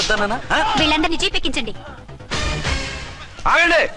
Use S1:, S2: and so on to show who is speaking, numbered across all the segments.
S1: వద్దనా?
S2: వీళ్ళందరినీ జీపెక్కించండి.
S1: ఆగండి.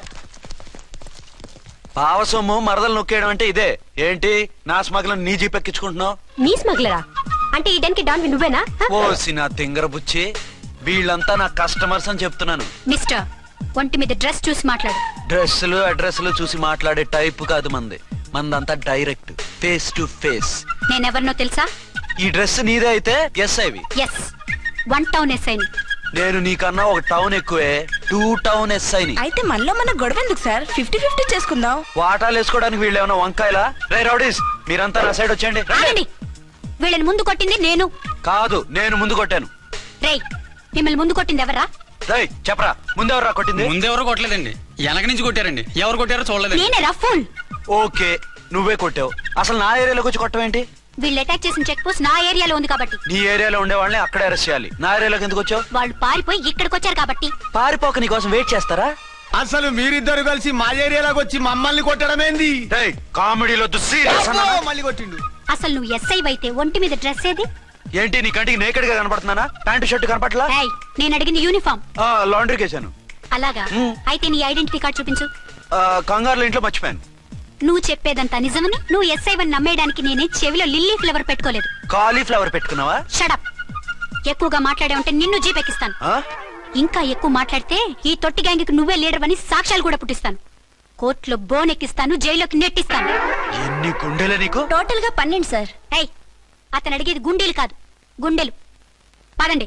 S1: పావసొమ్ము మరదలు నొక్కేయడం అంటే ఇదే. ఏంటి నా స్మగ్లర్ నీ జీపెక్కించుకుంటున్నావు?
S2: నీ స్మగ్లరా అంటే ఈ డెన్కి డాన్ నువ్వేనా?
S1: ఓసి నా తింగర బుచ్చి, వీళ్ళంతా నా కస్టమర్స్ అని చెప్తున్నాను.
S2: మిస్టర్, ఒంటి మీద డ్రెస్ చూసి మాట్లాడు.
S1: డ్రెస్సులు అడ్రస్లు చూసి మాట్లాడే టైప్ కాదు మంది. మందంతా డైరెక్ట్, ఫేస్ టు ఫేస్.
S2: నేనెవరినో తెలుసా?
S1: ఈ డ్రెస్ నీదే అయితే ఎస్ఐవి.
S2: ఎస్, 1 టౌన్ ఎస్ఐని.
S1: నేను నీకన్నా ఒక టౌన్ ఎక్కువే, 2 టౌన్ ఎస్ఐని.
S3: అయితే మనలో మన గొడవ ఎందుకు సార్? 50-50 చేసుకుందాం.
S1: వాటాలు వేసుకోవడానికి వీళ్ళు ఏమైనా వంకాయలా? రే రౌడీస్, మీరంతా నా సైడ్ వచ్చేయండి.
S2: ఆగండి. వీళ్ళని ముందు కొట్టింది నేను
S1: కాదు, నేను ముందు కొట్టాను.
S2: రేయ్, మిమ్మల్ని ముందు కొట్టింది ఎవరా?
S1: రేయ్ చెప్పరా, ముందెవరా కొట్టింది?
S4: ముందెవరో కొట్టలేదండి, వెనక నుంచి కొట్టారండి. ఎవరు కొట్టారో చూడలేదు.
S2: నేనే రఫూల్.
S1: ఓకే, నువ్వే కొట్టావు. అసలు నా ఏరియాలోకి వచ్చి కొట్టవేంటి?
S2: వీళ్ళు అటాక్ చేసిన చెక్ పోస్ట్ నా ఏరియాలో ఉంది కాబట్టి.
S1: నీ ఏరియాలో ఉండే వాళ్ళని అక్కడే అరెస్ట్ చేయాలి. నా ఏరియాలోకి ఎందుకు వచ్చావు?
S2: వాళ్ళు పారిపోయి ఇక్కడికి వచ్చారు కాబట్టి.
S1: పారిపోక నీ కోసం వెయిట్ చేస్తారా?
S5: అసలు మీరిద్దరు కలిసి మా ఏరియాలోకి వచ్చి మమ్మల్ని కొట్టడమేంది?
S1: కామెడీలో
S5: మళ్ళీ కొట్టిండు.
S2: అసలు నువ్వు ఎస్ఐ అయితే ఒంటి మీద డ్రెస్ ఏది?
S1: ఏంటి నీ కంటికి నేకెడ్ గా కనపడుతున్నానా? Pant shirt కనపట్లా?
S2: ఏయ్, నేను అడిగింది యూనిఫామ్.
S1: లాండ్రీకి వేసాను.
S2: అలాగా? అయితే నీ ఐడెంటిటీ కార్డ్ చూపించు.
S1: కంగారులో ఇంట్లో మర్చిపోయాను.
S2: నువ్వు చెప్పేదంతా నిజమని నువ్వు ఎస్ఐ వన్ నమ్మేయడానికి నేనే చెవిలో లిల్లీ ఫ్లవర్ పెట్టుకోలేదు.
S1: కాలీఫ్లవర్ పెట్టుకున్నావా?
S2: షడప్. ఎక్కువగా మాట్లాడే ఉంటే నిన్ను జీపెక్కిస్తాను. ఇంకా ఎక్కువ మాట్లాడితే ఈ తొట్టి గ్యాంగ్కి నువ్వే లీడర్ అని సాక్ష్యాలు కూడా పుట్టిస్తాను. కోర్టులో బోన్ ఎక్కిస్తాను, జైల్లోకి నెట్టిస్తాను.
S1: ఎన్ని గుండెలు నీకు?
S2: టోటల్ గా 12 సార్. ఏయ్, అతను అడిగేది గుండెలు కాదు, గుండెలు. పదండి.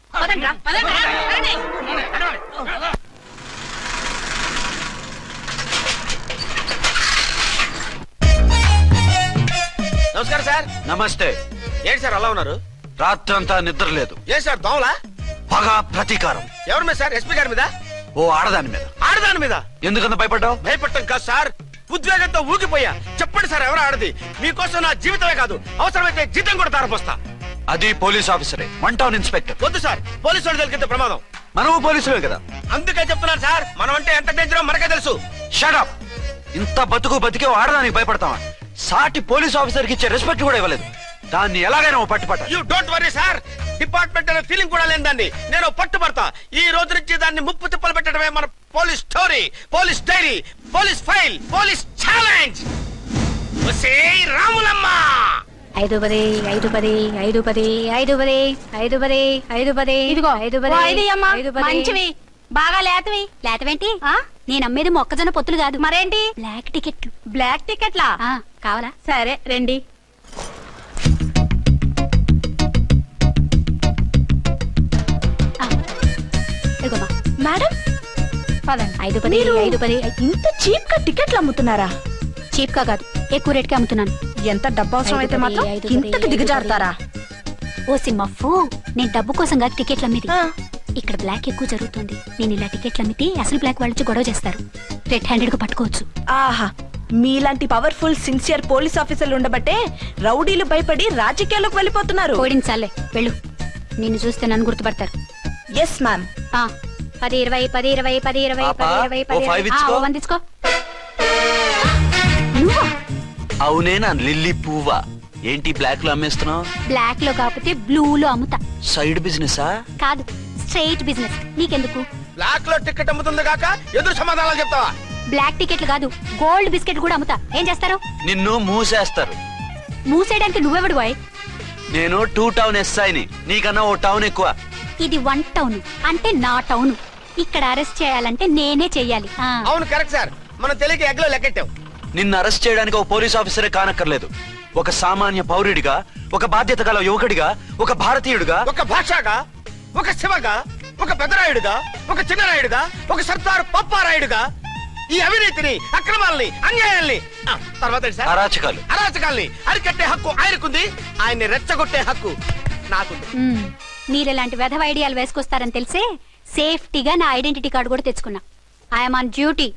S5: నమస్కారం సార్.
S1: నమస్తే.
S5: ఏంటి సార్ అలా ఉన్నారు?
S1: రాత్రంతా నిద్ర లేదు.
S5: ఏ సార్ దోమలా?
S1: పగ ప్రతీకారం.
S5: ఎవరి మీద సార్? ఎస్పీ గారి మీద?
S1: ఓ ఆడదాని మీద.
S5: ఆడదాని మీద?
S1: ఎందుకంత భయపడ్డావు?
S5: భయపడటం కాదు సార్, ఉద్వేగంతో ఊగిపోయా. చెప్పండి సార్, ఎవరు ఆడది? మీకోసం నా జీవితమే కాదు, అవసరమైతే జీతం కూడా తారపోస్తా.
S1: అది పోలీస్ ఆఫీసరే, 1 టౌన్ ఇన్స్పెక్టర్.
S5: వద్దు సార్, పోలీసు వాళ్ళు దొరికితే ప్రమాదం.
S1: మనము పోలీసులే కదా.
S5: అందుకే చెప్తున్నారు సార్, మనం అంటే ఎంత డేంజరో మనకే తెలుసు.
S1: షటప్. ఇంత బతికే ఆడదానికి భయపడతావా? సాటి పోలీస్ ఆఫీసర్ కి ఇచ్చే రెస్పెక్ట్ కూడా ఇవ్వలేదు. దాన్ని ఎలాగైనా పట్టుపట్ట.
S5: You don't worry sir, department అనే ఫీలింగ్ కూడా లేని దాన్ని నేను పట్టుబడతా. ఈ రోజు నుంచి దాన్ని ముప్పు తిప్పలు పెట్టడమే మన police story, police diary, police file, police challenge. Ramulamma
S2: 5-10 5-10 5-10 5-10 5-10 5-10. ఇదిగో 5-10
S3: మంచివి, బాగా లేతవి.
S2: లేతవేంటి? నేను అమ్మేది మొక్కజొన్న పొత్తులు కాదు.
S3: మరేంటి?
S2: బ్లాక్ టికెట్లు.
S3: బ్లాక్ టికెట్లా?
S2: కావాలా?
S3: సరే రండి.
S2: ఇదిగోమా
S3: మేడం పదండి.
S2: 5-10 5-10.
S3: ఇంత చీప్ గా టికెట్లు అమ్ముతున్నారా?
S2: చీప్ గా కాదు, ఎక్కువ రేట్ కి అమ్ముతున్నాను.
S3: ఎంత డబ్బు అవసరం అయితే మాత్రం ఇంతకు దిగజారుతారా?
S2: ఓ సిమ్మఫు, నేను డబ్బు కోసం కాదు టికెట్లు అమ్మేది. ఇక్కడ బ్లాక్ ఎక్కువ జరుగుతుంది. నేను ఇలా టికెట్లు అమ్మితే అసలు బ్లాక్ వాళ్ళు గొడవ చేస్తారు. రెడ్ హ్యాండెడ్ గా పట్టుకోవచ్చు.
S3: ఆహా, మీలాంటి పవర్ఫుల్ సిన్సియర్ పోలీస్ ఆఫీసర్లు ఉండబట్టే రౌడీలు భయపడి రాజకీయాల్లోకి వెళ్ళిపోతున్నారు.
S2: ఓడించాలే, వెళ్ళు. నిన్ను చూస్తే నన్ను గుర్తుపడతారు.
S3: Yes ma'am.
S2: 10-20 10-20 10-20 10-20
S1: 10-20
S2: వందించుకో. నువ్వా?
S1: అవునే, నా లిల్లీ పువ్వా. ఏంటి బ్లాక్ లో అమ్మేస్తున్నావు?
S2: బ్లాక్ లో కాకపోతే బ్లూ లో అమ్ముతా.
S1: సైడ్ బిజినెసా?
S2: కాదు, స్ట్రైట్ బిజినెస్. నీకెందుకు?
S5: బ్లాక్ లో టికెట్ అమ్ముతుంది కాక ఎదురు సమాధానాలు చెప్తావా?
S2: బ్లాక్ టికెట్లు కాదు, గోల్డ్ బిస్కెట్ కూడా అమ్ముతా. ఏం చేస్తారు?
S1: నిన్ను మూసేస్తారు.
S2: మూసేయడానికి నువ్వెవడు బాయ్?
S1: నేను 2 టౌన్ ఎస్ఐని, నీకన్నా ఓ టౌన్ ఎక్కువ.
S2: ఇది 1 టౌన్ అంటే నా టౌన్. ఇక్కడ అరెస్ట్ చేయాలంటే నేనే చెయ్యాలి.
S5: అవును కరెక్ట్ సార్, మనం తెలియక ఎగ్లో లెక్కెట్టాం.
S1: నిన్ను అరెస్ట్ చేయడానికి ఒక పోలీస్ ఆఫీసరే కానక్కర్లేదు. ఒక సామాన్య పౌరుడిగా, ఒక బాధ్యత గల యువకుడిగా, ఒక భారతీయుడిగా,
S5: ఒక భాషగా, ఒక శివగా, ఒక పెద్దరాయుడుగా, ఒక చిన్నరాయుడుగా, ఒక సర్దార్ పప్పారాయుడుగా ఈ అవినీతిని, అక్రమాలని, అన్యాయాల్ని, తర్వాత అరాచకాల్ని అరికట్టే హక్కు ఆయనకుంది. ఆయన్ని రెచ్చగొట్టే హక్కు నాకుంది.
S2: మీరు ఇలాంటి వెధవ ఐడియాలు వేసుకొస్తారని తెలిసే సేఫ్టీగా నా ఐడెంటిటీ కార్డు కూడా తెచ్చుకున్నా. I'm on duty.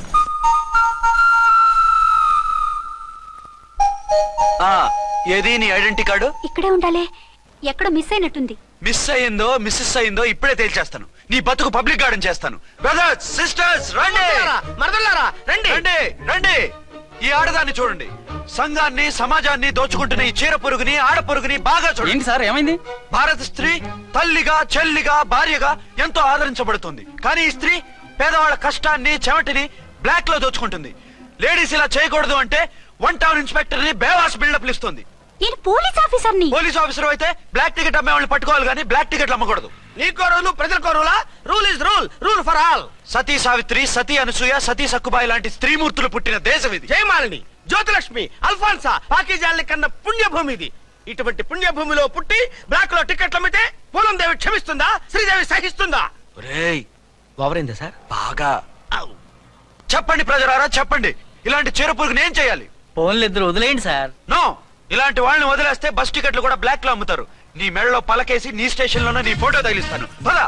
S1: ఏది నీ ఐడెంటిటీ కార్డు?
S2: ఇక్కడే ఉండాలి. ఎక్కడో మిస్ అయినట్టుంది.
S1: మిస్ అయ్యిందో మిస్సెస్ అయ్యిందో ఇప్పుడే తేల్చేస్తాను. నీ బతుకు పబ్లిక్ గార్డెన్ చేస్తాను. బ్రదర్స్, సిస్టర్స్, రండి.
S5: మరదలారా రండి.
S1: రండి రండి. ఈ ఆడదాన్ని చూడండి. సంఘాన్ని సమాజాన్ని దోచుకుంటున్న ఈ చీర పురుగుని ఆడ పురుగుని బాగా చూడండి.
S4: ఏంటి సార్ ఏమైంది?
S1: భారత స్త్రీ తల్లిగా చెల్లిగా భార్యగా ఎంతో ఆదరించబడుతుంది. కానీ ఈ స్త్రీ పేదవాళ్ళ కష్టాన్ని చెమటిని బ్లాక్ లో దోచుకుంటుంది. లేడీస్ ఇలా చేయకూడదు అంటే 1 టౌన్ ఇన్స్పెక్టర్ ని బేవాస్ బిల్డప్ ఇస్తుంది.
S2: నేను పోలీస్ ఆఫీసర్ని.
S1: పోలీస్ ఆఫీసర్ అయితే బ్లాక్ టికెట్ అమ్మే వాళ్ళని పట్టుకోవాలి కానీ బ్లాక్ టికెట్లు అమ్మకూడదు.
S5: నీకో రూలు ప్రజలకో రూలా? Rule is rule, rule for all.
S1: Sati Savitri, Sati Anasuya, Sati Sakkubai లాంటి స్త్రీమూర్తులు పుట్టిన దేశం ఇది.
S5: జయమాలిని, జ్యోతిలక్ష్మి, అల్ఫాన్సా, పాకిజాల్ని కన్న పుణ్యభూమి ఇది. ఇటువంటి పుణ్యభూమిలో పుట్టి బ్లాక్ లో టికెట్లు అమ్మితే పూలం దేవి క్షమిస్తుందా? శ్రీదేవి సహిస్తుందా?
S1: ఒరేయ్,
S5: ఓవరైందా సార్?
S1: బాగా చెప్పండి ప్రజలారా, చెప్పండి. ఇలాంటి చీర పురుగుని ఏం చేయాలి?
S4: ఫోన్లు ఇద్దరు వదిలేయండి సార్.
S1: నో, ఇలాంటి వాళ్ళని వదిలేస్తే బస్ టికెట్లు కూడా బ్లాక్ లో అమ్ముతారు. నీ మెడలో పలకేసి నీ స్టేషన్ లోనే నీ ఫోటో తగిలిస్తాను. పద.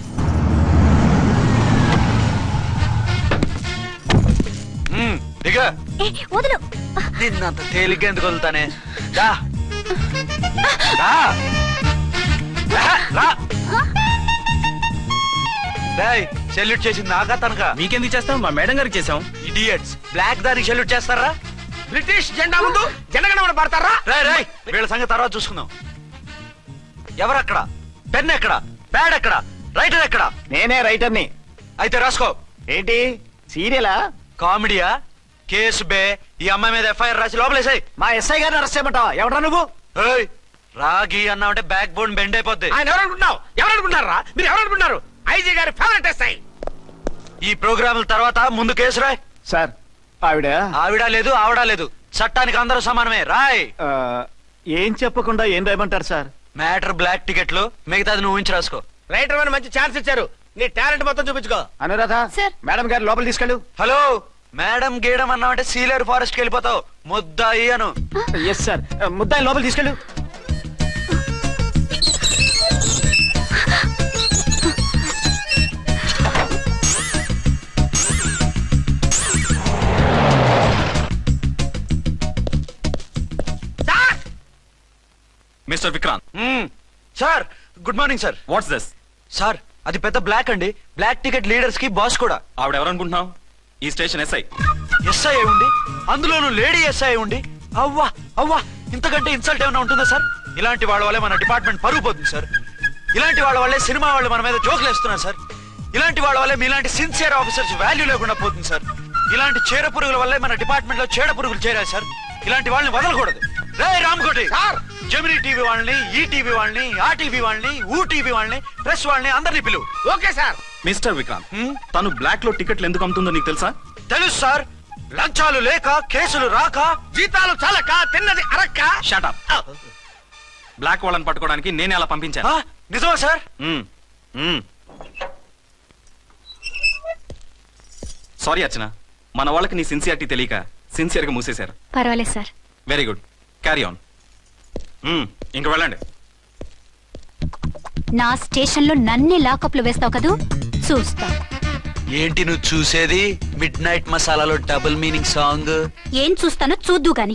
S1: దిగా.
S2: వదులు.
S1: నిన్నంత తేలిగ్గా ఎందుకు వదులుతానే? రా. రా. రా. డేయ్, సెల్యూట్ చేసింది నాకా తనకా?
S4: మీకెందుకు చేస్తాం? మా మేడం గారికి చేసాం.
S1: ఇడియట్స్, బ్లాక్ దానికి సెల్యూట్ చేస్తారా?
S5: బ్రిటిష్ జెండా ముందు జనగణమన పడతారా?
S1: రాయ్ రాయ్, వీళ్ళ సంగతి తర్వాత చూసుకుందాం. ఎవరక్కడ? పెన్ ఎక్కడ? ప్యాడ్ ఎక్కడ? రైటర్ ఎక్కడ?
S5: నేనే రైటర్ని.
S1: అయితే రాసుకో.
S5: ఏంటి సీరియలా?
S1: కామెడీయా? కేసు బే. ఈ అమ్మాయి మీద ఎఫ్ఐఆర్ రాసి లోపలేసాయి.
S5: మా ఎస్ఐ గారిని అరెస్ట్ చేయమంటావా? ఎవరా నువ్వు?
S1: ఏయ్, రాగి అన్నావంటే బ్యాక్ బోన్ బెండ్ అయిపోద్ది.
S5: ఆయన ఎవరనుకుంటున్నావు? ఎవరనుకుంటున్నారా మీరు? ఎవరనుకుంటున్నారు? ఐజీ గారి ఫేవరెట్ ఎస్ఐ.
S1: ఈ ప్రోగ్రాముల తర్వాత ముందు కేసు రాయ్.
S6: సార్ ఆవిడ
S1: ఆవిడ లేదు ఆవిడ లేదు, చట్టానికి అందరూ సమానమే. రాయ్.
S6: ఆ, ఏం చెప్పకుండా ఏం రాయమంటారు సార్?
S1: మ్యాటర్ బ్లాక్ టికెట్లు, మిగతాది నువ్వు ఉంచి రాసుకో.
S5: రైటర్ అని మంచి ఛాన్స్ ఇచ్చారు. నీ టాలెంట్ మొత్తం చూపించుకో.
S6: అనురాధ,
S2: సార్.
S6: మేడం గారు లోపల తీసుకెళ్ళు.
S1: హలో, మేడం గీయడం అన్నావంటే సీలేరు ఫారెస్ట్ కి వెళ్ళిపోతావు. ముద్దాయి అను.
S6: ఎస్ సార్, ముద్దాయి లోపల తీసుకెళ్ళు.
S7: Mister Vikrant,
S1: sir, good morning sir.
S7: What's this?
S1: Sir, అది పెద్ద బ్లాక్ అండి. బ్లాక్ టికెట్ లీడర్స్ కి బాస్ కూడా.
S7: ఆవిడ ఎవరనుకుంటున్నావు? ఈ స్టేషన్ ఎస్ఐ.
S1: ఎస్ఐ ఉండి, అందులోనూ లేడీ ఎస్ఐ ఉండి, అవ్వా అవ్వా, ఇంతకంటే ఇన్సల్ట్ ఏమైనా ఉంటుందా సార్? ఇలాంటి వాళ్ళ వల్లే మన డిపార్ట్మెంట్ పరుగు పోతుంది సార్. ఇలాంటి వాళ్ళ వల్లే సినిమా వాళ్ళు మన మీద జోకులు వేస్తున్నారు సార్. ఇలాంటి వాళ్ళ వల్లే మీలాంటి సిన్సియర్ ఆఫీసర్స్ వాల్యూ లేకుండా పోతుంది సార్. ఇలాంటి చీడ పురుగుల వల్లే మన డిపార్ట్మెంట్ లో చీడ పురుగులు చేరాయి సార్. ఇలాంటి వాళ్ళని వదలకూడదు. రే రామ్కోటి
S5: సార్,
S1: జెమినీ టీవీ వాళ్ళని, ఈ టీవీ వాళ్ళని, ఆ టీవీ వాళ్ళని, ఊ టీవీ వాళ్ళని, ప్రెస్ వాళ్ళని అందరినీ పిలువు.
S5: Okay sir.
S7: మిస్టర్ విక్రాంత్, తను బ్లాక్ లో టికెట్లు ఎందుకు అమ్ముతుందో నీకు తెలుసా?
S1: తెలుసు సార్. లంచాలు లేక, కేసులు రాక,
S5: జీతాలు చాలక, తిన్నది అరక్క.
S7: Shut up. బ్లాక్ వాళ్ళని పట్టుకోవడానికి నేనే అలా పంపించాను.
S1: ఆ, నిజమా సార్?
S7: సారీ అర్చన, మన వాళ్ళకి నీ సిన్సియారిటీ తెలియక సిన్సియర్ గా మూసేశారు.
S2: పర్వాలేదు sir.
S7: Very good, carry on. ఇంక వెళ్ళండి.
S2: నా స్టేషన్ లో నన్నే లాకప్ లో వేస్తావు కదూ, చూస్తా.
S1: ఏంటి నువ్వు చూసేది? మిడ్ నైట్ మసాలాలో డబుల్ మీనింగ్ సాంగ్.
S2: ఏం చూస్తానో చూద్దు గాని.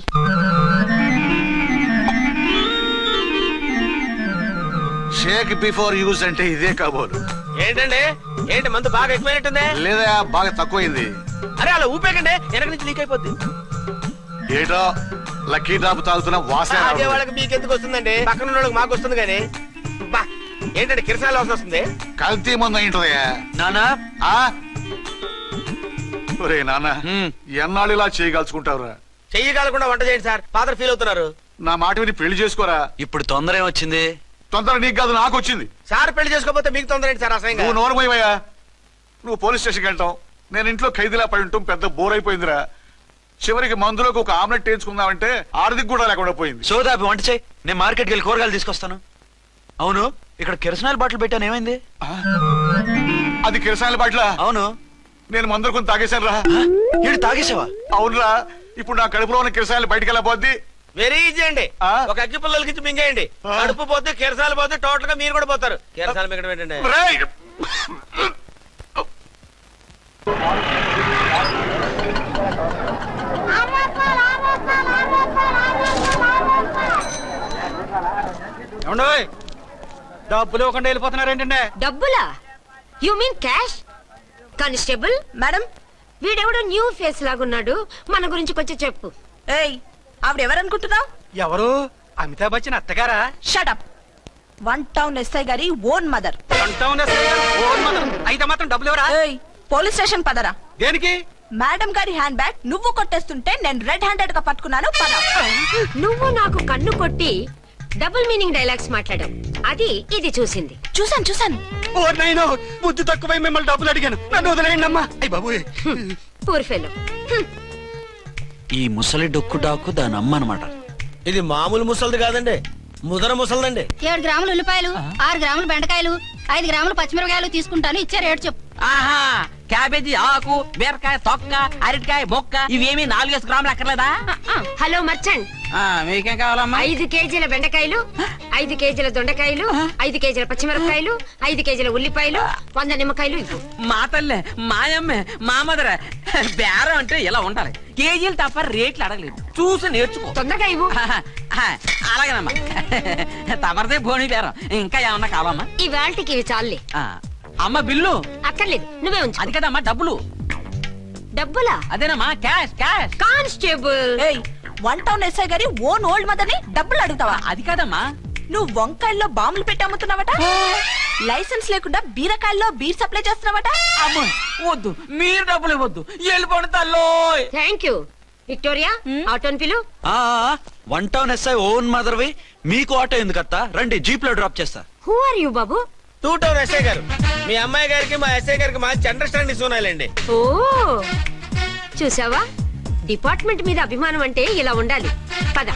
S8: షేక్ బిఫోర్ యూజ్ అంటే ఇదే కాబోలు.
S5: ఏంటండి, ఏంటి మందు బాగా ఎక్కువైనట్టుంది?
S8: లేదా బాగా తక్కువైంది.
S5: అరే అలా ఊపేకండి, వెనక నుంచి లీక్ అయిపోద్ది.
S8: ఏటో లక్కీ డ్రాప్ తాగుతున్న వాసన
S5: తాగే
S8: రావడం.
S5: వాళ్ళకి మీకు ఎందుకు వస్తుందండి? పక్కన ఉన్న వాళ్ళకి మాకు వస్తుంది కానీ. బా, ఏంటంటే కిరసాల వాసన వస్తుంది.
S8: కల్తీ మందు అయింటదయ్యా.
S1: నానా,
S8: ఆ? ఒరే నాన్న,
S1: హ్మ్.
S8: ఎన్నాళ్ళు ఇలా చేయగలుచుకుంటావురా?
S5: చెయ్యగలకుండా వంట చేయండి సార్. ఫాదర్ ఫీల్ అవుతున్నారు.
S8: నా మాట విని పెళ్లి చేసుకోరా.
S1: ఇప్పుడు తొందర ఏమొచ్చింది?
S8: తొందర నీకు కాదు, నాకు వచ్చింది.
S5: సార్ పెళ్లి చేసుకోకపోతే మీకు తొందర ఏంటి సార్? అసహ్యంగా.
S8: నువ్వు నోరమోయవయ్యా. నువ్వు పోలీస్ స్టేషన్కి వెళ్తాం, నేను ఇంట్లో ఖైదీలా పడి ఉంటాం. పెద్ద బోర్ అయిపోయిందిరా. చివరికి మందులోకి ఒక ఆమ్లెట్ వేయించుకుందామంటే ఆర్థిక కూడా లేకుండా పోయింది.
S1: సోదాపి వంట చేయి, నేను మార్కెట్కి వెళ్ళి కూరగాయలు తీసుకొస్తాను. అవును, ఇక్కడ కిరసనాయిల్ బాటిల్ పెట్టాను, ఏమైంది?
S8: అది కిరసాయల బాట్ల.
S1: అవును.
S8: నేను మందులు కొని తాగేశాను రా.
S1: ఏడు తాగేసావా?
S8: అవునురా. ఇప్పుడు నా కడుపులో ఉన్న కిరసాయలు బయటకు వెళ్ళబోద్ది.
S5: వెరీ ఈజీ అండి.
S8: ఆ?
S5: ఒక అగ్గి పుల్లలకి ఇచ్చి మింగేయండి.
S8: ఆ.
S5: కడుపు పోతే కిరసాలు పోతే టోటల్ గా మీరు కూడా పోతారు. కిరసాలు మింగడం ఏంటండి?
S8: రేయ్!
S4: ఏమండోయ్, డబ్బులు ఇవ్వకుండా వెళ్ళిపోతున్నారు ఏంటంటే?
S9: డబ్బులా? You mean cash? Constable
S3: madam,
S9: వీడెవడో న్యూ ఫేస్ లాగున్నాడు, మన గురించి కొంచెం చెప్పు.
S3: ఏయ్, ఆవిడెవరనుకుంటున్నావు?
S4: ఎవరు? అమితాబ్ బచ్చన్ అత్తగారా?
S3: షటప్. 1 టౌన్ ఎస్ఐ గారి ఓన్ మదర్.
S4: అయితే మాత్రం డబ్బులు ఎవరా?
S3: పోలీస్ స్టేషన్ పదరా.
S4: దేనికి?
S3: మేడం గారి హ్యాండ్ బ్యాగ్ నువ్వు కొట్టేస్తుంటే నేను రెడ్ హ్యాండెడ్ గా పట్టుకున్నాను. పద.
S9: నువ్వు నాకు కన్ను కొట్టి డబుల్ మీనింగ్ డైలాగ్స్ మాట్లాడావు. అది ఇది చూసింది.
S3: చూసాను.
S4: ఓ నైనో, బుద్ధి తక్కువై మిమ్మల్ని డబ్బులు అడిగాను. నన్ను వదిలేయండి అమ్మా. అయ్య బాబు.
S9: Poor fellow.
S1: ఈ ముసలి డొక్కు డాకు దాని అమ్మ అనమాట.
S5: ఇది మామూలు ముసలిది కాదండి, ముదర ముసలిదండి.
S2: 7 గ్రాములు ఉల్లిపాయలు, 6 గ్రాములు బెండకాయలు, 5 గ్రాములు పచ్చిమిరపకాయలు తీసుకుంటాను. ఇచ్చే రేటు చెప్పు.
S10: ఆహా, క్యాబేజీ ఆకు, బీరకాయ తొక్క, అరటికాయ బొక్క ఇవేమి 4 గ్రాములు అక్కర్లేదా?
S9: హలో మర్చండ్,
S10: మీకేం కావాలమ్మా?
S9: 5 కేజీల బెండకాయలు, 5 కేజీల దొండకాయలు, 5 కేజీల పచ్చిమిరపకాయలు, 5 కేజీల ఉల్లిపాయలు, 100 నిమ్మకాయలు ఇవ్వు.
S10: మా తల్లే, మాయమ్మే, మా మదర. బేరం అంటే ఇలా ఉండాలి. కేజీలు తప్ప రేట్లు అడగలేదు. చూసి నేర్చుకో.
S9: తొందరగా ఇవ్వు.
S10: అలాగేనమ్మా. తమరిదే భోని బేరం. ఇంకా ఏమన్నా కావాలమ్మా?
S9: ఈ వేల్టికి ఇవి చాలే.
S10: అమ్మ బిల్లు
S9: అక్కర్లేదు, నువ్వే ఉంచు.
S10: అది కదమ్మా డబ్బులు.
S9: డబ్బులా?
S10: అదేనమ్మా, cash cash.
S9: Constable.
S3: 1 town SI గారి ఓన్ ఓల్డ్ మదర్ ని డబ్బులు అడుగుతావా?
S10: అది కాదమ్మా.
S3: నువ్వు వంకాయల్లో బాంబులు పెట్టి అమ్ముతున్నావట. లైసెన్స్ లేకుండా బీరకాయల్లో బీర్ సప్లై చేస్తున్నావట.
S10: అమ్మ వద్దు, మీరు డబ్బులు ఇవ్వద్దు. వెళ్ళిపోండి తల్లో.
S9: Thank you. విక్టోరియా, ఆటోన్ పిలు.
S1: 1 టౌన్ ఎస్ఐ ఓన్ మదర్వి, మీకు ఆటో ఎందుకత్తా? రండి, జీప్ లో డ్రాప్ చేస్తా.
S9: హూ ఆర్ యూ బాబు?
S5: 2 టౌన్ ఎస్ఐ గారు, మీ అమ్మాయి గారికి మా ఎస్ఐ గారికి మంచి అండర్స్టాండింగ్ ఉన్నాయండి.
S9: ఓ చూసావా, డిపార్ట్మెంట్ మీద అభిమానం అంటే ఇలా ఉండాలి. పద.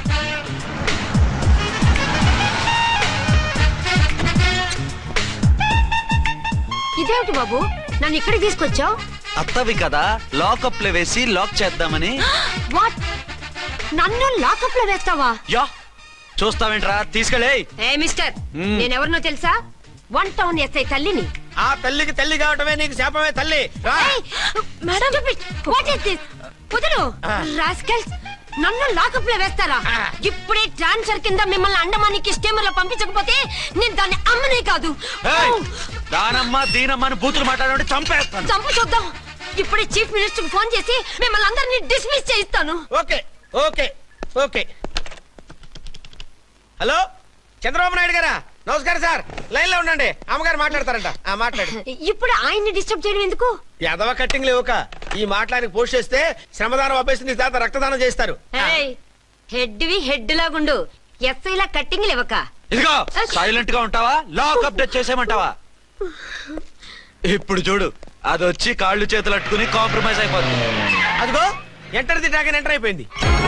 S9: ఇదేమిటి బాబు, నన్ను ఇక్కడికి తీసుకొచ్చావు?
S1: అత్తవి కదా, లాకప్ లో వేసి లాక్ చేద్దామని.
S9: వాట్? నన్ను లాకప్ లో వేస్తావా?
S1: యా, చూస్తావేంట్రా, తీసుకెళ్ళే.
S9: ఏ మిస్టర్, నేనెవరినో తెలుసా? 1 టౌన్ ఎస్ఐ తల్లిని.
S5: ఆ తల్లికి తల్లి కావటమే నీకు శాపమే తల్లి. రా.
S9: Madam, what is this? కుదరు రాస్కల్స్, నన్ను లాకప్ లో వేస్తారా? ఇప్పుడే ట్రాన్స్ఫర్ కింద మిమ్మల్ని అండమానికి స్టీమర్ లో పంపించకపోతే నేను దాన్ని అమ్మనే కాదు.
S1: దానమ్మ దీనమ్మ అని బూతులు మాట్లాడే చంపేస్తాను.
S9: చంపు చూద్దాం. ఇప్పుడే చీఫ్ మినిస్టర్ కి ఫోన్ చేసి మిమ్మల్ని అందరినీ డిస్మిస్ చేయిస్తాను.
S5: Okay okay okay. Hello, Chandrababu Naidu గారా? నమస్కారం సార్, లైన్ లో ఉండండి, అమ్మగారు మాట్లాడతారంట. మాట్లాడు.
S9: ఇప్పుడు ఆయన్ని డిస్టర్బ్ చేయడం ఎందుకు?
S5: ఎదవ కట్టింగ్ లేవుక ఈ మాట్లాడికి పోస్ట్ చేస్తే శ్రమదానం అభ్యసి నీ తాత రక్తదానం చేస్తారు.
S9: హెడ్ వి హెడ్ లాగుండు, ఎస్ఐ లా కట్టింగ్ లేవక.
S1: ఇదిగో సైలెంట్ గా ఉంటావా, లాక్ అప్డేట్ చేసేయమంటావా? ఇప్పుడు చూడు, అది వచ్చి కాళ్ళు చేతులు అట్టుకుని కాంప్రమైజ్ అయిపోతుంది.
S5: అదిగో ఎంటర్ ది డ్రాగన్ ఎంటర్ అయిపోయింది.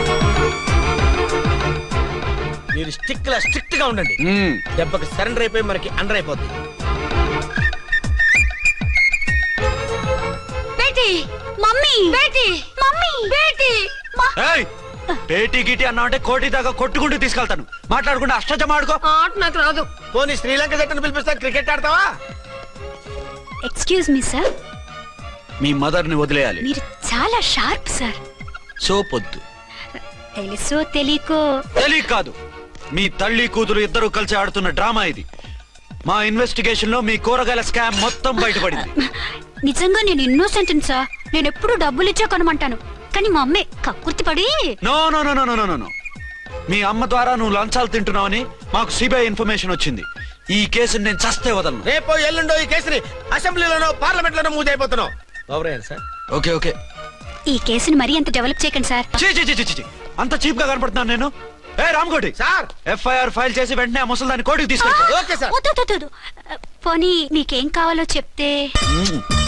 S5: మీరు స్ట్రిక్ట్ గా ఉండండి. దెబ్బకి సరెండర్ అయిపోయి మనకి అండర్ అయిపోతుంది.
S9: బేటీ, మమ్మీ, బేటీ, మమ్మీ, బేటీ.
S1: పేటీ గిటి అన్నా అంటే కోటి దాకా కొట్టుకుంటూ తీసుకెళ్తాను. మాట్లాడుకుంటే అష్టజమ ఆడుకో.
S9: ఆట నాకు రాదు.
S5: పోనీ శ్రీలంక జట్టును పిలిపిస్తా, క్రికెట్ ఆడతావా?
S2: ఎక్స్క్యూజ్ మీ సార్,
S1: మీ మదర్ ని వదిలేయాలి.
S2: మీరు చాలా షార్ప్ సార్.
S1: సోపొద్దు.
S2: తెలుసో తెలియకో.
S1: తెలియ కాదు, మీ తల్లి కూతురు ఇద్దరు కలిసి ఆడుతున్న డ్రామా ఇది. మా ఇన్వెస్టిగేషన్ లో మీ కూరగాయల స్కామ్ మొత్తం బయటపడింది.
S2: నిజంగా నేను ఇన్నోసెంట్ సార్. నేను ఎప్పుడు డబ్బులు ఇచ్చా కొనమంటాను, కానీ మా అమ్మే కక్కుర్తి పడి.
S1: No no no no no no. మీ అమ్మ ద్వారా నువ్వు లంచాలు తింటున్నావని మాకు సిబిఐ ఇన్ఫర్మేషన్ వచ్చింది. ఈ కేసుని నేను చస్తే వదలను.
S5: రేపో ఎల్లుండో ఈ కేసుని అసెంబ్లీలోనో పార్లమెంట్ లోనో మూవ్ అయిపోతున్నావు. Sir
S1: okay okay.
S2: ఈ కేసుని మరీ అంత డెవలప్ చేయకండి సార్.
S1: అంత చీప్ గా కనపడుతున్నాను నేను? ఏ రామ్కోటి
S5: సార్,
S1: ఎఫ్ఐఆర్ ఫైల్ చేసి వెంటనే ఆ ముసలిదాన్ని కోర్టుకి తీసుకెళ్ళి.
S5: Okay sir.
S2: పోనీ మీకేం కావాలో చెప్తే.